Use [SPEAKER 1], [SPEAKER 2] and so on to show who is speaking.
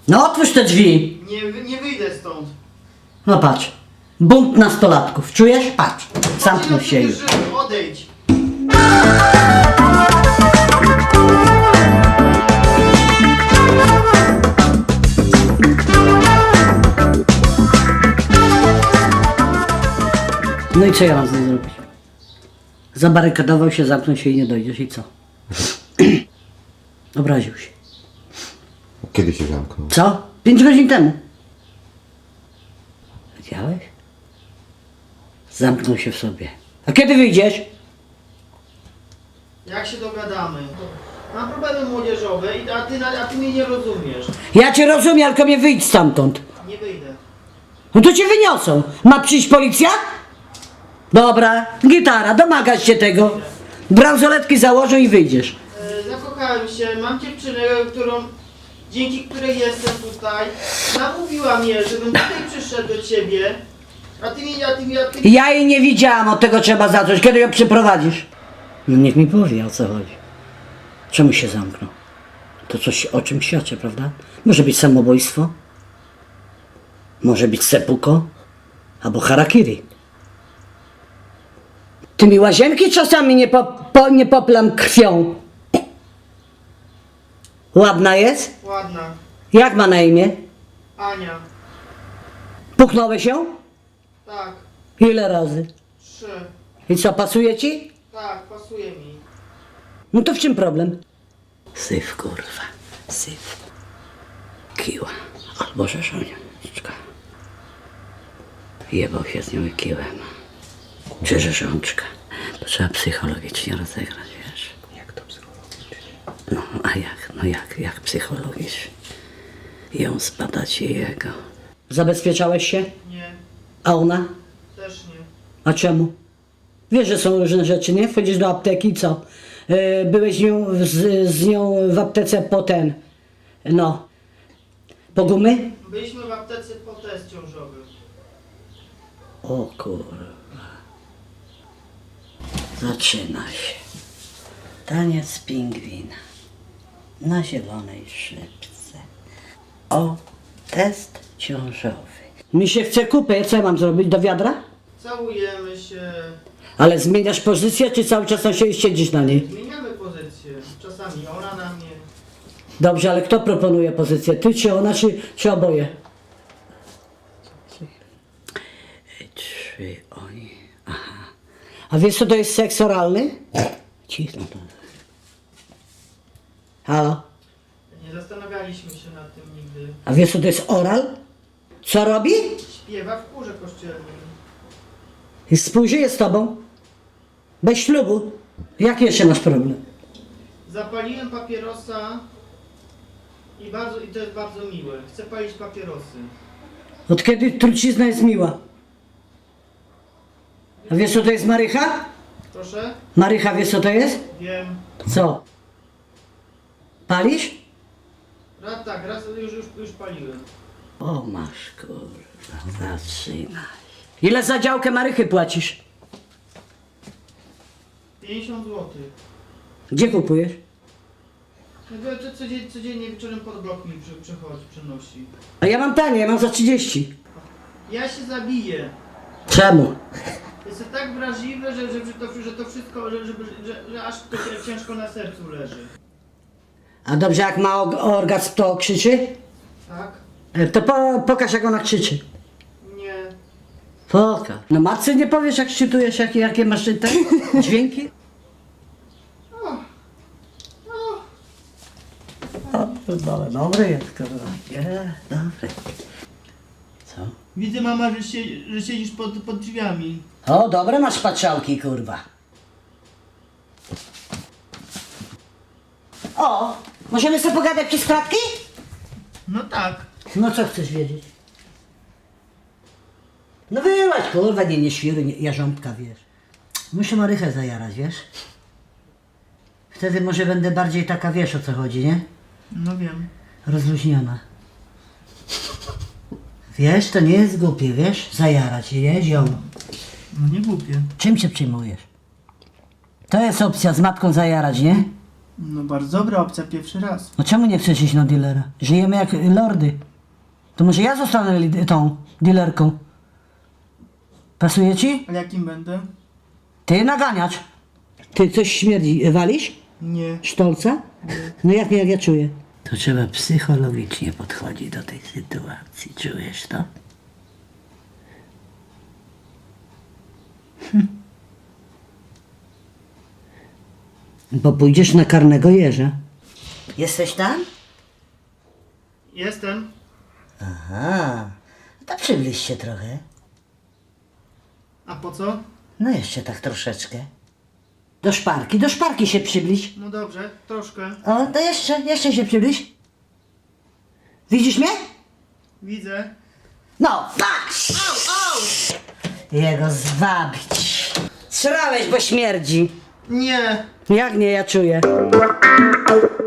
[SPEAKER 1] No otwórz te drzwi.
[SPEAKER 2] Nie wyjdę stąd.
[SPEAKER 1] No patrz. Bunt nastolatków. Czujesz? Patrz. Zamknął się już.
[SPEAKER 2] Odejdź.
[SPEAKER 1] No i co ja mam z nim zrobić? Zabarykadował się, zamknął się i nie dojdziesz i co? Obraził się.
[SPEAKER 3] Kiedy się zamknął?
[SPEAKER 1] Co? 5 godzin temu. Widziałeś? Zamknął się w sobie. A kiedy wyjdziesz?
[SPEAKER 2] Jak się dogadamy? Mam problemy młodzieżowe, a ty mnie nie rozumiesz.
[SPEAKER 1] Ja cię rozumiem, tylko mnie wyjdź stamtąd.
[SPEAKER 2] Nie wyjdę.
[SPEAKER 1] No to cię wyniosą. Ma przyjść policja? Dobra, gitara, domagasz się tego. Bransoletki założę i wyjdziesz.
[SPEAKER 2] Zakochałem się, mam dziewczynę, dzięki której jestem tutaj. Namówiła mnie, żebym tutaj przyszedł do ciebie. A ty mi...
[SPEAKER 1] Ja jej nie widziałam, od tego trzeba zacząć. Kiedy ją przyprowadzisz? No niech mi powie, o co chodzi. Czemu się zamknął? To coś o czym świadczy, prawda? Może być samobójstwo, może być seppuku, albo harakiri. Ty mi łazienki czasami nie poplam krwią. Ładna jest?
[SPEAKER 2] Ładna.
[SPEAKER 1] Jak ma na imię?
[SPEAKER 2] Ania.
[SPEAKER 1] Puknąłeś ją?
[SPEAKER 2] Tak.
[SPEAKER 1] Ile razy?
[SPEAKER 2] 3.
[SPEAKER 1] I co, pasuje ci?
[SPEAKER 2] Tak, pasuje mi.
[SPEAKER 1] No to w czym problem? Syf, kurwa, syf. Kiła. Albo rzeszoniczka. Jebał się z nią i kiłem. Czy rzeszonczka. To trzeba psychologicznie rozegrać, wiesz.
[SPEAKER 3] Jak to psychologicznie?
[SPEAKER 1] No, a jak? No jak psychologicznie? Ją zbadać i jego. Zabezpieczałeś się?
[SPEAKER 2] Nie.
[SPEAKER 1] A ona?
[SPEAKER 2] Też nie.
[SPEAKER 1] A czemu? Wiesz, że są różne rzeczy, nie? Wchodzisz do apteki i co? Byłeś z nią w aptece po ten, no, po gumy?
[SPEAKER 2] Byliśmy w aptece po test ciążowy.
[SPEAKER 1] O kurwa. Zaczyna się. Taniec pingwina na zielonej szybce. O, test ciążowy. Mi się chce kupę, co ja mam zrobić? Do wiadra?
[SPEAKER 2] Całujemy się.
[SPEAKER 1] Ale zmieniasz pozycję, czy cały czas siedzisz na niej?
[SPEAKER 2] Zmieniamy pozycję. Czasami ona na mnie.
[SPEAKER 1] Dobrze, ale kto proponuje pozycję? Ty, czy ona, czy oboje? Czy oni? Aha. A wiesz, co to jest seks oralny? Cicho to. Halo?
[SPEAKER 2] Nie zastanawialiśmy się nad tym nigdy.
[SPEAKER 1] A wiesz, co to jest oral? Co robi?
[SPEAKER 2] Śpiewa w chórze kościelnym.
[SPEAKER 1] I współżyje z tobą? Bez ślubu? Jaki jeszcze masz problem?
[SPEAKER 2] Zapaliłem papierosa i to jest bardzo miłe. Chcę palić papierosy.
[SPEAKER 1] Od kiedy trucizna jest miła? A wiesz, co to jest marycha?
[SPEAKER 2] Proszę?
[SPEAKER 1] Marycha, wiesz, co to jest?
[SPEAKER 2] Wiem.
[SPEAKER 1] Co? Palisz?
[SPEAKER 2] Raz już paliłem.
[SPEAKER 1] O, masz kurwa, zaczynaj. Ile za działkę marychy płacisz?
[SPEAKER 2] 50 zł.
[SPEAKER 1] Gdzie kupujesz?
[SPEAKER 2] To codziennie wieczorem pod blok mi przynosi.
[SPEAKER 1] A ja mam tanie, ja mam za 30.
[SPEAKER 2] Ja się zabiję.
[SPEAKER 1] Czemu?
[SPEAKER 2] Jestem tak wrażliwy, że to wszystko, że aż to ciężko na sercu leży.
[SPEAKER 1] A dobrze, jak ma orgazm, to krzyczy?
[SPEAKER 2] Tak?
[SPEAKER 1] To pokaż, jak ona krzyczy.
[SPEAKER 2] Nie.
[SPEAKER 1] Pokaż. No matce nie powiesz, jak szczytujesz, jakie masz te dźwięki? O, dobry jest, kurwa. Nie, dobry. Co?
[SPEAKER 2] Widzę, mama, że siedzisz pod drzwiami.
[SPEAKER 1] O, dobre masz patrzałki, kurwa. O, możemy sobie pogadać przez klatki?
[SPEAKER 2] No tak.
[SPEAKER 1] No co chcesz wiedzieć? No wyłaź, kurwa, nie świruj, jarząbka, wiesz. Muszę marychę zajarać, wiesz? Wtedy może będę bardziej taka, wiesz, o co chodzi, nie?
[SPEAKER 2] No wiem.
[SPEAKER 1] Rozluźniona. Wiesz, to nie jest głupie, wiesz? Zajarać, nie, ziom.
[SPEAKER 2] No nie głupie.
[SPEAKER 1] Czym się przejmujesz? To jest opcja z matką zajarać, nie?
[SPEAKER 2] No bardzo dobra opcja, pierwszy raz.
[SPEAKER 1] No czemu nie chcesz iść na dealera? Żyjemy jak lordy. To może ja zostanę tą dealerką. Pasuje ci?
[SPEAKER 2] Ale jakim będę?
[SPEAKER 1] Ty naganiacz. Ty coś śmierdzi. Walisz?
[SPEAKER 2] Nie.
[SPEAKER 1] Sztolca? No jak nie, jak ja czuję. To trzeba psychologicznie podchodzić do tej sytuacji. Czujesz to? Bo pójdziesz na karnego jeża. Jesteś tam?
[SPEAKER 2] Jestem.
[SPEAKER 1] Aha. To przybliż się trochę.
[SPEAKER 2] A po co?
[SPEAKER 1] No jeszcze tak troszeczkę. Do szparki się przybliż.
[SPEAKER 2] No dobrze, troszkę.
[SPEAKER 1] O, to jeszcze się przybliż. Widzisz mnie?
[SPEAKER 2] Widzę.
[SPEAKER 1] No, patrz!
[SPEAKER 2] Au!
[SPEAKER 1] Jego zwabić. Srałeś, bo śmierdzi.
[SPEAKER 2] Nie!
[SPEAKER 1] Jak nie, ja czuję.